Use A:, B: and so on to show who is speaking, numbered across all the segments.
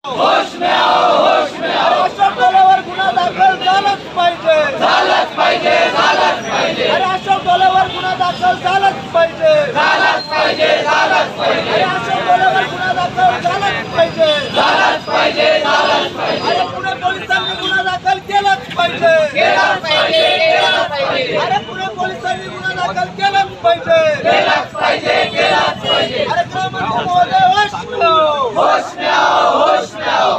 A: होश में आओ, होश में आओ।
B: अशोक डोलेवर गुन्हा दाखल झालाच पाहिजे,
A: झालाच पाहिजे, झालाच पाहिजे,
B: अरे अशोक डोलेवर गुन्हा दाखल झालाच पाहिजे,
A: झालाच पाहिजे, झालाच पाहिजे,
B: अरे अशोक डोलेवर गुन्हा दाखल झालाच पाहिजे,
A: झालाच पाहिजे, झालाच पाहिजे,
B: अरे पुणे पोलिसांनी गुन्हा दाखल केलाच पाहिजे,
A: केलाच पाहिजे, केलाच पाहिजे,
B: अरे पुणे पोलिसांनी गुन्हा दाखल केलाच पाहिजे,
A: केलाच पाहिजे, केलाच पाहिजे।
B: अरे गृहमंत्री महोदय होश में आओ,
A: होश में आओ, होश में आओ।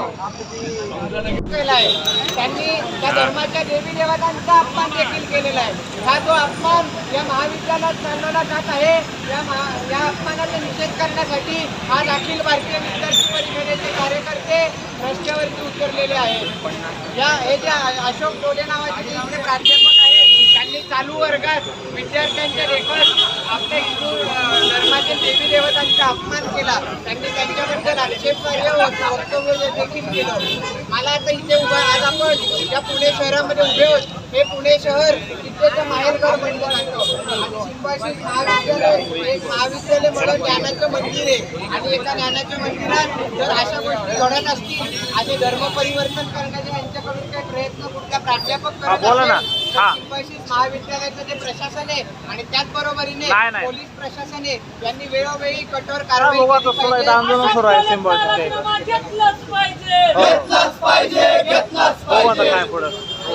C: केलाय त्यांनी त्या धर्माच्या देवी देवतांचा अपमान देखील केलेला आहे। हा जो अपमान या महाविद्यालयात चालवला जात आहे, या अपमानाचा निषेध करण्यासाठी आज अखिल भारतीय विद्यार्थी परिषदेचे कार्यकर्ते रस्त्यावरती उतरलेले आहेत। हे जे अशोक डोले नावाचे जे इथे प्राध्यापक आहेत, त्यांनी चालू वर्गात विद्यार्थ्यांच्या देखत आपल्या हिंदू धर्मातील देवी देवतांचा अपमान केला। त्यांनी त्यांच्याबद्दल आक्षेपार्ह वक्तव्य देखील केलं। मला आता इथे उभा आज आपण ज्या पुणे शहरामध्ये उभे आहोत, हे पुणे शहर विद्येचं माहेरघर बनलं जातं। सिम्बायोसिस महाविद्यालय एक महाविद्यालय म्हणून ज्ञानाचं मंदिर आहे आणि एका ज्ञानाच्या मंदिरात जर अशा गोष्टी घडत असतील आणि धर्म परिवर्तन करण्याचे यांच्याकडून काही प्रयत्न कुठल्या प्राध्यापक करत असेल, सिम्बायोसिस महाविद्यालयाचं जे प्रशासन आहे आणि त्याचबरोबरीने पोलीस प्रशासन आहे, यांनी वेळोवेळी कठोर कारवाई केली पाहिजे।
D: आंदोलन सुरू आहे सिम्बायोसिसचे।
A: घेतलंच पाहिजे, घेतलंच पाहिजे।
D: काय पुढे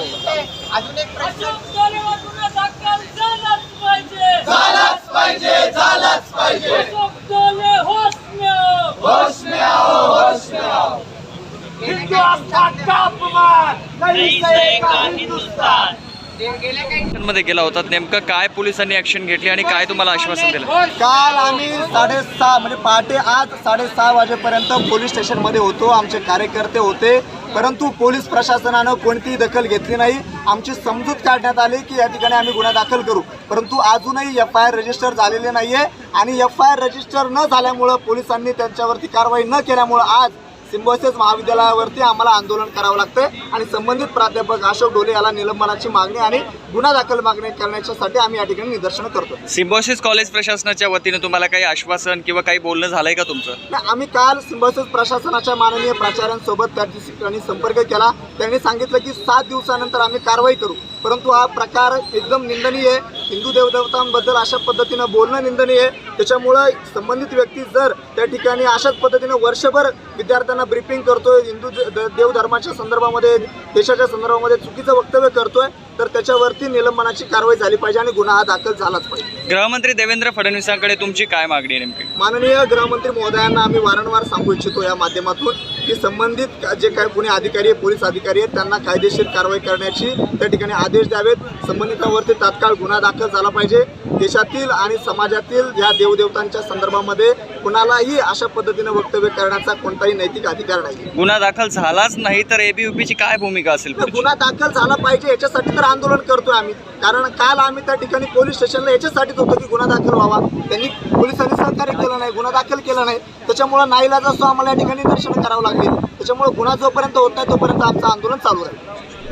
C: अजून एक प्रश्न,
A: गुन्हा दाखल झालाच पाहिजे, झालाच पाहिजे, झालाच पाहिजे। अशोक डोले होश में आओ, होश में आओ, होश में आओ।
B: हिंदू आस्था का अपमान नहीं सहेगा हिंदुस्तान।
C: गेल्या काही
E: मध्ये गेला होता, नेमकं काय पोलिसांनी ऍक्शन घेतली आणि काय तुम्हाला आश्वासन दिलं?
B: काल आम्ही 6:30 म्हणजे पहाटे आज 6:30 वाजेपर्यंत पोलीस स्टेशनमध्ये होतो, आमचे कार्यकर्ते होते, परंतु पोलीस प्रशासनानं कोणतीही दखल घेतली नाही। आमची समजूत काढण्यात आली की या ठिकाणी आम्ही गुन्हा दाखल करू, परंतु अजूनही FIR रजिस्टर झालेले नाहीये आणि FIR रजिस्टर न झाल्यामुळं पोलिसांनी त्यांच्यावरती कारवाई न केल्यामुळं आज सिम्बायोसिस महाविद्यालयावरती आम्हाला आंदोलन करावं लागतंय आणि संबंधित प्राध्यापक अशोक डोले याला निलंबनाची मागणी आणि गुन्हा दाखल मागणी करण्यासाठी आम्ही या ठिकाणी निदर्शनं करतो।
E: सिम्बायोसिस कॉलेज प्रशासनाच्या वतीने तुम्हाला काही आश्वासन किंवा काही बोलणं झालंय का तुमचं?
B: नाही, आम्ही काल सिम्बायोसिस प्रशासनाच्या माननीय प्राचार्यांसोबत त्या ठिकाणी संपर्क केला। त्यांनी सांगितलं की 7 दिवसानंतर आम्ही कारवाई करू, परंतु हा प्रकार एकदम निंदनीय आहे। हिंदू देवदेवतांबद्दल अशा पद्धतीनं बोलणं निंदनीय आहे। त्याच्यामुळं संबंधित व्यक्ती जर त्या ठिकाणी अशाच पद्धतीनं वर्षभर विद्यार्थ्यांना ब्रीफिंग करतोय, हिंदू देवधर्माच्या संदर्भामध्ये, देशाच्या संदर्भामध्ये चुकीचं वक्तव्य करतोय, तर त्याच्यावरती निलंबनाची कारवाई झाली पाहिजे आणि गुन्हा हा दाखल झालाच पाहिजे।
E: गृहमंत्री देवेंद्र फडणवीसांकडे तुमची काय मागणी आहे नेमकी?
B: माननीय गृहमंत्री महोदयांना आम्ही वारंवार सांगू इच्छितो या माध्यमातून की संबंधित जे काही पुणे अधिकारी आहे, पोलीस अधिकारी आहेत, त्यांना कायदेशीर कारवाई करण्याची त्या ठिकाणी आदेश द्यावेत। संबंधितांवरती तात्काळ गुन्हा दाखल झाला पाहिजे। देशातील आणि समाजातील या देवदेवतांच्या संदर्भामध्ये कुणालाही अशा पद्धतीने वक्तव्य करण्याचा कोणताही नैतिक अधिकार नाही।
E: गुन्हा दाखल झालाच नाही तर ABUPची काय भूमिका असेल?
B: गुन्हा दाखल झाला पाहिजे याच्यासाठी तर आंदोलन करतोय आम्ही, कारण काल आम्ही त्या ठिकाणी पोलीस स्टेशनला याच्यासाठीच होतो की गुन्हा दाखल व्हावा। पोलिसांनी सहकार्य केलं नाही, गुन्हा दाखल केला नाही, त्याच्यामुळे नाईलाज असतो आम्हाला या ठिकाणी निदर्शनं करावं लागली। त्याच्यामुळे गुन्हा जोपर्यंत होत नाही तोपर्यंत आमचं आंदोलन चालू राहील।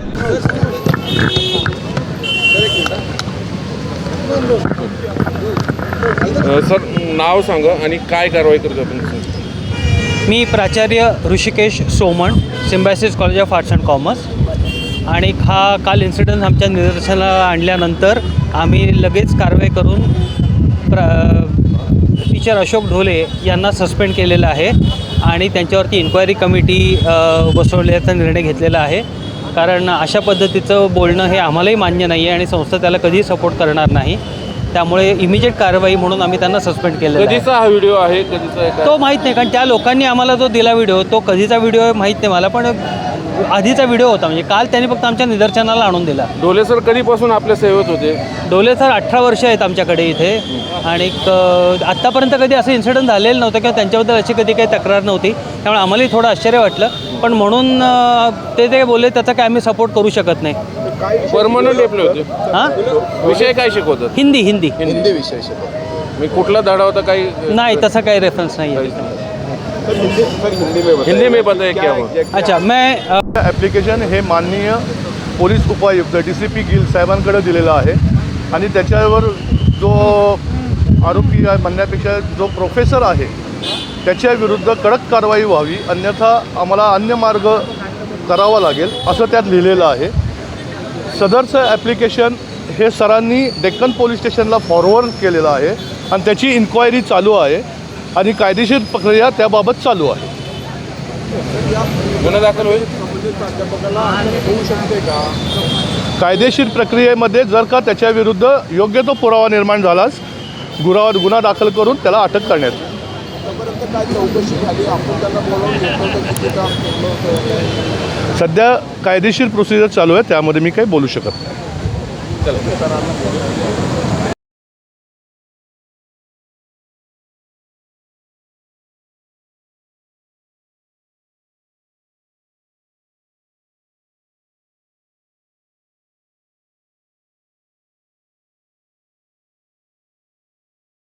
F: सर नाव सांगा आणि काय कारवाई करतो आपण?
D: मी प्राचार्य Hrishikesh Soman, Symbiosis college of arts and commerce, आणि हा काल इन्सिडन्स आमच्या निदर्शनाला आणल्यानंतर आम्ही लगेच कारवाई करून टीचर अशोक ढोले यांना सस्पेंड केलेलं आहे आणि त्यांच्यावरती इन्क्वायरी कमिटी बसवण्याचा निर्णय घेतलेला आहे। कारण अशा पद्धतीचं बोलणं हे आम्हालाही मान्य नाही आहे आणि संस्था त्याला कधीही सपोर्ट करणार नाही। त्यामुळे इमिजिएट कारवाई म्हणून आम्ही त्यांना सस्पेंड केलेला आहे।
F: कधीचा हा व्हिडिओ आहे, कधीचा आहे
D: तो माहीत नाही, कारण त्या लोकांनी आम्हाला जो दिला व्हिडिओ तो कधीचा व्हिडिओ आहे माहीत नाही मला, पण आधीचा व्हिडिओ होता, म्हणजे काल त्यांनी फक्त आमच्या निदर्शनाला आणून दिला।
F: डोले सर कधीपासून आपल्या सेवेत होते?
D: डोले सर 18 वर्ष आहेत आमच्याकडे इथे आणि आत्तापर्यंत कधी असं इन्सिडेंट झालेलं नव्हतं किंवा त्यांच्याबद्दल अशी कधी काही तक्रार नव्हती, त्यामुळे आम्हालाही थोडं आश्चर्य वाटलं, पण म्हणून ते बोलले त्याचा काय आम्ही सपोर्ट करू शकत नाही।
F: परमनंट एप्ले होते?
D: हां,
F: विषय काय शिकवतात?
D: हिंदी
F: विषय शिकवतात। मी कुठला धडा होता काही
D: नाही, तसा काही रेफरन्स नाही आहे।
F: हिंदी में बताइए क्या हुआ?
D: अच्छा, मैं
G: ॲप्लिकेशन हे माननीय पोलीस उपायुक्त DCP गिल साहेबांकडे दिलेलं आहे आणि त्याच्यावर जो आरोपी म्हणण्यापेक्षा जो प्रोफेसर आहे त्याच्याविरुद्ध कडक कारवाई व्हावी, अन्यथा आम्हाला अन्य मार्ग करावा लागेल असं त्यात लिहिलेलं आहे. सदरचं ॲप्लिकेशन हे सरांनी डेक्कन पोलीस स्टेशनला फॉरवर्ड केलेलं आहे आणि त्याची इन्क्वायरी चालू आहे आणि कायदेशीर प्रक्रिया त्याबाबत चालू आहे.
F: गुन्हा दाखल होईल.
G: कायदेशीर प्रक्रियेमध्ये जर का त्याच्याविरुद्ध योग्य तो पुरावा निर्माण झालाच गुन्हा दाखल करून त्याला अटक करण्यात येईल. सध्या कायदेशीर प्रोसिजर चालू आहे, त्यामध्ये मी काही बोलू शकत नाही.